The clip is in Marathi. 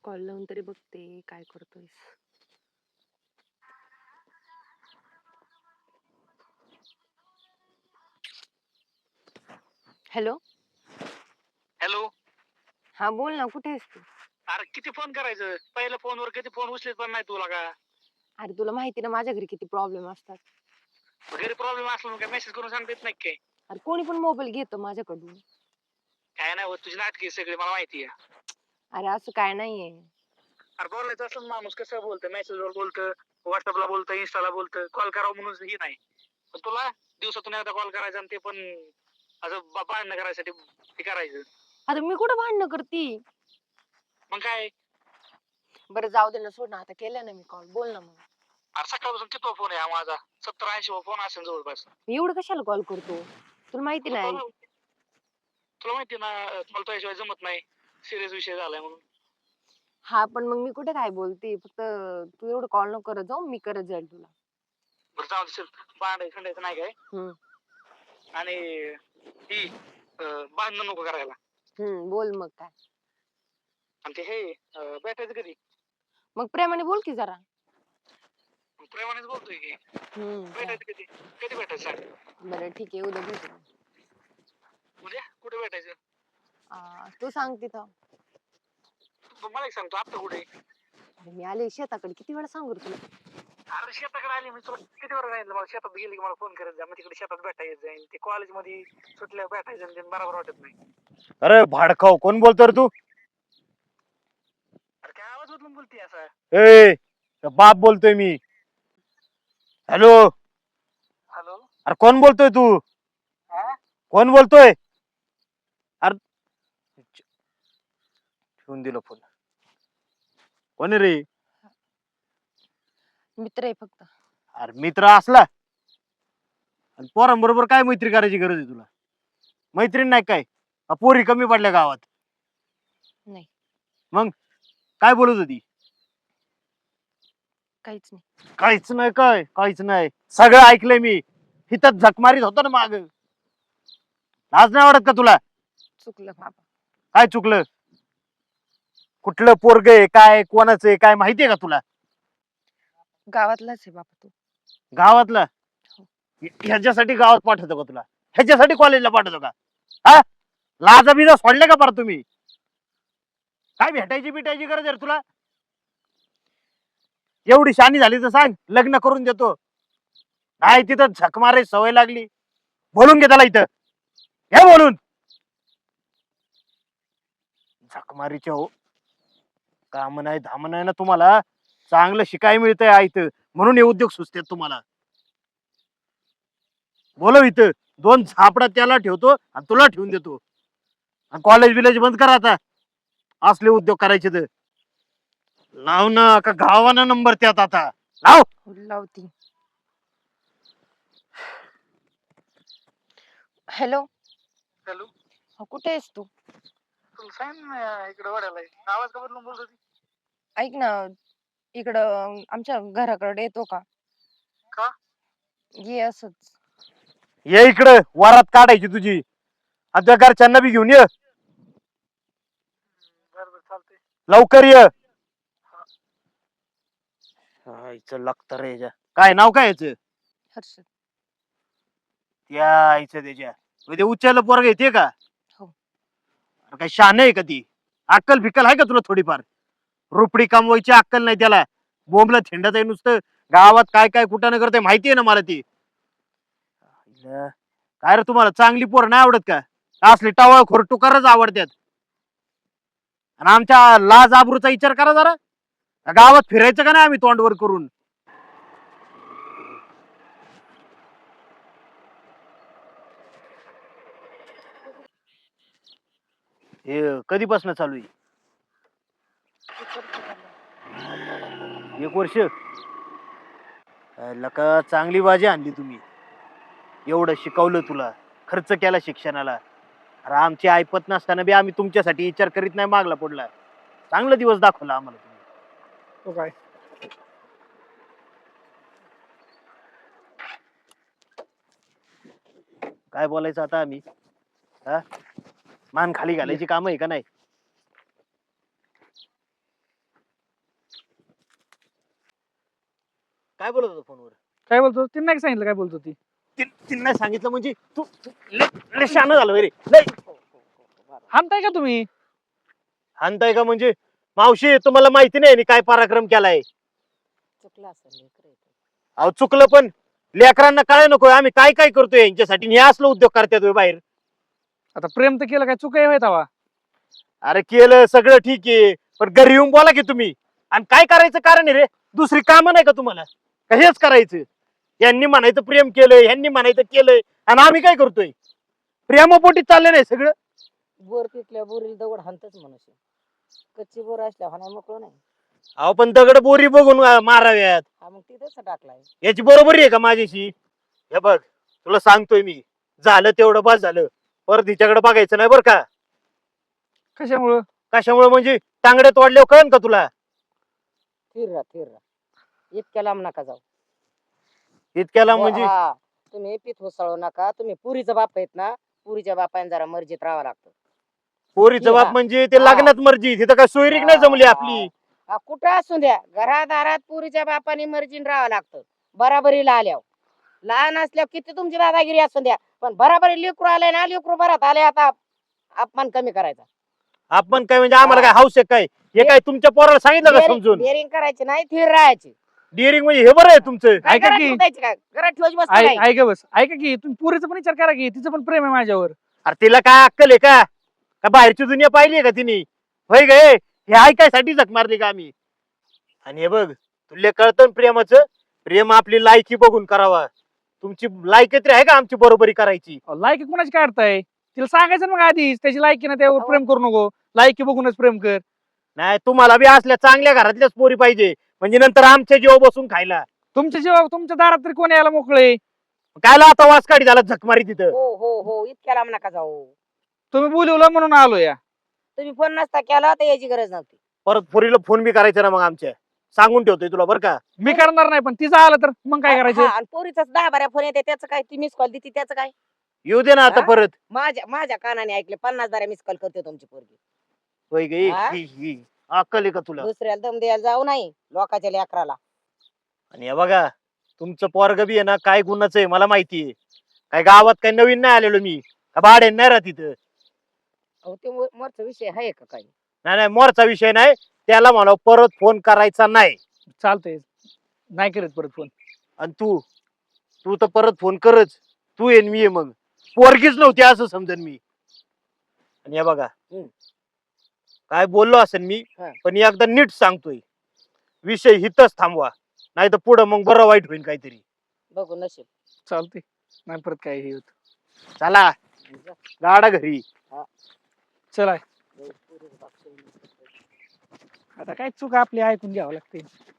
कॉल लावून तरी बघते काय करतोयस. हॅलो. हॅलो. हा बोल ना, कुठे आहेस तू? अरे किती फोन करायचं, पहिल्या फोनवर किती फोन उचलत पण नाही तुला का? अरे तुला माहिती ना माझ्या घरी किती प्रॉब्लेम असतात. घरी प्रॉब्लेम असला मग काय मेसेज करून सांगता येत नाही काय? अरे कोणी पण मोबाईल घेतो माझ्याकडून. काय नाही होत, तुझी नाटकी सगळी मला माहिती आहे. अरे असं काय नाहीये. अरे बोलायचं असलं माणूस कसं बोलतं, मेसेजवर बोलतं, व्हॉट्सअपला बोलतं, इन्स्टाला बोलतं, कॉल करावं म्हणून ही नाही. पण तुला दिवसातून एकदा कॉल करायचा आणि ते पण असं भांडणं करायसाठी ते करायचं. आता मी कुठं भांडणं करती. मग काय? बरं जाऊ दे ना, सोड ना, आता केलं ना मी कॉल, बोल ना मग. अरे सकाळपासून किती फोन आहे हा माझा, 70-80 फोन असेल जवळपास. मी एवढं कशाला कॉल करतो, तुला माहिती मग नाही. तुला माहिती ना, मला तुझ्याशिवाय जमत नाही, सिरियस विषय झालाय म्हणून. हा पण मग मी कुठे काय बोलते, फक्त तू एवढं कॉल नको करत जाऊ, मी करत जाईल तुला. बरं जाऊ दे, भांडायचं खंडायचं नाही काय. हम्म. आणि ही भांडण नको करायला. बोल मग काय. आणि ते हे भेटायचं कधी? मग प्रेमाने बोल की जरा. प्रेमानेच बोलतोय की. काय? भेटायचं कधी? कधी भेटायचं सांग. बरं ठीक आहे, उद्या भेटू. उद्या कुठे भेटायचं? तू सांग तिथं. मला एक सांगतो, आता कुठे? अरे मी आले शेताकडे, किती वेळा सांगू रे तुला. अरे शेताकडे आली मी तुला किती वेळा सांगितलं, मला शेतात गेली की मला फोन करत जा, मग तिकडे शेतात भेटायचं जाईल. ते कॉलेजमध्ये सुटल्या भेटायचं आणि ते बरोबर वाटत नाही. अरे भाडखाव, कोण बोलतो रे तू? अरे काय आवाज बदलून बोलते असा? ए बाप बोलतोय मी. हॅलो. हॅलो. अरे कोण बोलतोय तू? हा? कोण बोलतोय? अरे ठेवून दिलं फोन. कोण आहे रे? मित्र आहे फक्त. अरे मित्र असला आणि पोरांबरोबर काय मैत्री करायची गरज आहे तुला? मैत्रीण नाही काय? पोरी कमी पडल्या गावात? नाही. मग काय बोलत होती? काहीच नाही. काहीच नाही काय? काहीच नाही, सगळं ऐकलंय मी. इथं झक मारीत होतो ना माग. लाज नाही वाटत का तुला? चुकलं बाबा. काय चुकलं? कुठलं पोरग आहे, काय कोणाचं आहे, काय माहितीये का तुला? गावातलाच आहे बाबा तू. गावातला? ह्याच्यासाठी गावात पाठवतो का तुला? ह्याच्यासाठी कॉलेजला पाठवतो का? हा, लाजा बिजा सोडले का बरं तुम्ही? काय भेटायची बिटायची गरज आहे तुला? एवढी शानी झाली तर सांग, लग्न करून देतो. नाही तिथं झक मारायची सवय लागली. बोलून घे त्याला इथं, हे बोलून. झक मारीचे हो, काम नाही धाम नाही ना तुम्हाला. चांगलं शिकाय मिळतंय आयत, म्हणून हे उद्योग सुचतात तुम्हाला. बोलव इथं, 2 झापडा त्याला ठेवतो आणि तुला ठेवून देतो. आणि कॉलेज बिलेज बंद करा आता, असले उद्योग करायचे तर. लाव ना, का गावाना नंबर त्यात आता लाव. लावती. हॅलो. हॅलो. कुठे आहेस तू? तुला सांग ना, इकडे वडायला आवाज का बदलून बोलत होती? ऐक ना, इकडं आमच्या घराकडे येतो का? का? ये असच. ये इकडं, वरात काढायची तुझी. आणि त्या घरच्यांना बी घेऊन ये. बरोबर चालतंय. लवकर ये. लागत रे. काय नाव काय याच? हर्षद. त्या आईचं त्याच्या म्हणजे उच्चायला पोरग येते का? हो. काय शान आहे का ती? अक्कल फिक्कल आहे का तुला थोडीफार? रुपडी कमवायची अक्कल नाही त्याला. बोंबला थिंडत आहे नुसतं. गावात काय काय कुठं न करते माहितीये ना मला ती. काय रे, तुम्हाला चांगली पोर नाही आवडत का? असली टावळ खोरटुकारच आवडतात. आणि आमच्या लाज आबरूचा विचार करा जरा. गावात फिरायचं का नाही आम्ही तोंडवर करून? हे कधीपासून चालू आहे? 1 वर्ष. लका चांगली बाजी आणली तुम्ही. एवढं शिकवलं तुला, खर्च केला शिक्षणाला. अरे आमची ऐपत नसताना बी आम्ही तुमच्यासाठी विचार करीत नाही मागला पडला. चांगला दिवस दाखवला आम्हाला तुम्ही. तो काय? काय बोलायचं आता आम्ही? हा, मान खाली घालायची काम आहे का नाही? काय बोलत होता फोनवर? काय बोलतो तिने नाही सांगितलं काय बोलतो ती. तिने सांगितलं म्हणजे तू लय शहाणं झालं रे लय. हाणताय का तुम्ही? हाणताय का म्हणजे मावशी तुम्हाला माहिती नाही यांनी काय पराक्रम केलाय. चुकला असेल लेकरं आहे ते. अहो चुकलं पण लेकरांना काय नको आम्ही काय काय करतोय यांच्यासाठी हे असलं उद्योग करतात बाहेर. आता प्रेम तर केलं काय चुका आहे तवा. अरे केलं सगळं ठीक आहे पण घरी येऊन बोला की तुम्ही. आणि काय करायचं कारण आहे रे दुसरी कामं नाही का तुम्हाला का हेच करायचं? यांनी म्हणायचं प्रेम केलंय ह्यांनी म्हणायचं केलंय आणि आम्ही काय करतोय? प्रेमापोटी चाललं नाही सगळं. बोर पिकल्या बोरील दगड हाणतच मनुष्य. कच्ची बोर असल्या हाणाय मोकळं नाही. अहो पण दगड बोरी बघून माराव्यात. हा मग तिथंच टाकलाय. याची बरोबरी आहे का माझ्याशी? हे बघ तुला सांगतोय मी झालं तेवढं बस झालं परत हिच्याकडे बघायचं नाही बरं का. कशामुळं? कशामुळे म्हणजे टांगड्या तोडल्यावर कळन का तुला? थिर राहा. इतक्या लांब नका जाऊ. इतक्याला म्हणजे हा, तुम्ही पीठ होसळू नका. तुम्ही पुरीचा बाप आहेत ना, पुरीच्या बापाने जरा मर्जीत राहावं लागतं. पोरीचं बाप म्हणजे ते लग्नात मर्जी तिथं काय सोयरीक नाही जमली आपली. हा, कुठं असू द्या घरादारात पुरीच्या बापाने मर्जीने राहावं लागतं. बराबरीला आल्यावर लहान असल्यावर किती तुमची दादागिरी असू द्या पण बराबरी लेकरू आले ना लेकरू बरात आले आता अपमान कमी करायचा. आपण काय म्हणजे आम्हाला काय हाऊस आहे काय? हे काय तुमच्या पोराला सांगितलं का समजून? डेअरिंग करायची नाही थिर राहायची. डिअरिंग म्हणजे हे बरं आहे तुमचं. काय ऐका घरात की. ठेवायची काय घरात ठेवायची वस्तू नाही. ऐका बस ऐका की तुम्ही पुरीचा पण विचार करा की तिचं पण प्रेम आहे माझ्यावर. अरे तिला काय अक्कल आहे का? का बाहेरची दुनिया पाहिली का तिने? होय गे हे ऐकायसाठी झक मारली का आम्ही? आणि हे बघ तुला कळतं ना प्रेमाचं प्रेम आपली लायकी बघून करावा. तुमची लायकी तरी आहे का आमची बरोबरी करायची? लायकी कुणाची काढताय? तिला सांगायचं ना मग आधीच त्याची लायकी ना त्यावर प्रेम करू नको. लायकी बघूनच प्रेम कर. नाही तुम्हाला बी असल्या चांगल्या घरातल्याच पोरी पाहिजे म्हणजे नंतर आमच्या जीव बसून खायला. तुमच्या जेव्हा तुमच्या दारात तरी कोणी यायला मोकळे. कायला आता वास काढी झाला झकमारी तिथं. हो इतक्या लांब नका जाऊ. तुम्ही बोलवलं म्हणून आलो या. तुम्ही फोन नसता केला तर याची गरज नव्हती. परत पोरीला फोन बी करायचा ना मग आमच्या सांगून ठेवतोय तुला बरं का. मी करणार नाही पण तिचं आलं तर मग काय करायचं? हा, आणि पोरीचाच 10-12 फोन येते त्याचं काय? ती मिस कॉल देते त्याचं काय? येऊ दे ना आता हा? परत. माझ्या कानाने ऐकले 50 मिस कॉल करते तुमची पोरगी. होय गे हा? ही अक्कल आहे का तुला? दुसऱ्याला दम द्यायला जाऊ नाही लोकांच्या लेकराला. आणि हे बघा तुमचं पोरग बी आहे ना काय गुन्हाचं आहे मला माहितीये. काय गावात काय नवीन नाही आलेलो मी का भाडे नाही राहत इथं. अहो ते मोरचा विषय आहे का काही? नाही मोरचा विषय नाही. त्याला म्हणा परत फोन करायचा नाही. चालतंय नाही करत परत फोन. आणि तू तर परत फोन करच. तू येईन मी ये मग पोरगीच नव्हती असं समजन मी. आणि हे बघा काय बोललो असेल मी हा. पण एकदा नीट सांगतोय विषय हितच थांबवा नाही तर पुढं मग बरं वाईट होईल काहीतरी. बघू नशीब. चालतंय नाही परत काय हे होत. चला गाडा घरी. चला आता काय चूक आपली ऐकून घ्यावं लागते.